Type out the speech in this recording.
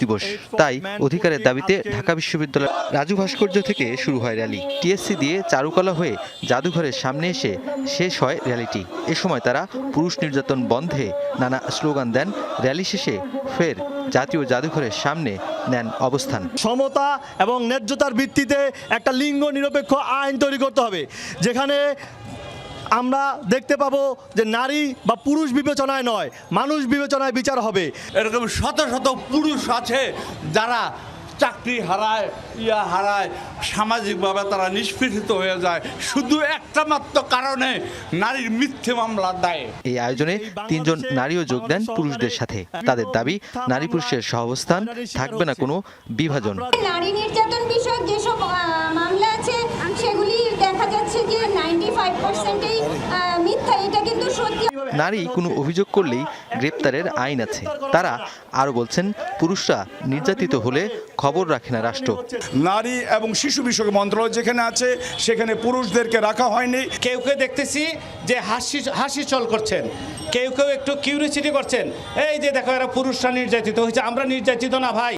দিবস। তাই অধিকারের দাবিতে ঢাকা বিশ্ববিদ্যালয় রাজু ভাস্কর্য থেকে শুরু হয় র্যালি। টিএসসি দিয়ে চারুকলা হয়ে জাদুঘরের সামনে এসে শেষ হয় র্যালিটি। এ সময় তারা পুরুষ নির্যাতন বন্ধে নানা স্লোগান দেন। র্যালি শেষে ফের জাতীয় জাদুঘরের সামনে নেন অবস্থান। সমতা এবং ন্যায্যতার ভিত্তিতে একটা লিঙ্গ নিরপেক্ষ আইন তৈরি করতে হবে, যেখানে আমরা দেখতে পাবো যে নারী বা পুরুষ বিবেচনায় নয়, মানুষ বিবেচনায় বিচার হবে। এরকম শত শত পুরুষ আছে যারা চাকরি হারায়, হারায়, সামাজিকভাবে তারা নিষ্পেষিত হয়ে যায় শুধু একটা মাত্র কারণে, নারীর মিথ্যে মামলার দায়ে। এই আয়োজনে 3 জন নারীও যোগ দেন পুরুষদের সাথে। তাদের দাবি, নারী পুরুষের সহাবস্থান, থাকবে না কোনো বিভাজন। নারী নির্যাতন বিষয়ক যেসব মামলা আছে সেগুলি দেখা যাচ্ছে যে 95%ই মিথ্যা। এটা কিন্তু সত্যি। নারী কোনো অভিযোগ করলেই গ্রেপ্তারের আইন আছে। তারা আরও বলছেন, পুরুষরা নির্যাতিত হলে খবর রাখে না রাষ্ট্র। নারী এবং শিশু বিষয়ক মন্ত্রণালয় যেখানে আছে সেখানে পুরুষদেরকে রাখা হয়নি। কেউ কেউ দেখতেছি যে হাসি চল করছেন, কেউ কেউ একটু কিউরিসিটি করছেন, এই যে দেখো এরা পুরুষরা নির্যাতিত হয়েছে, আমরা নির্যাতিত না ভাই।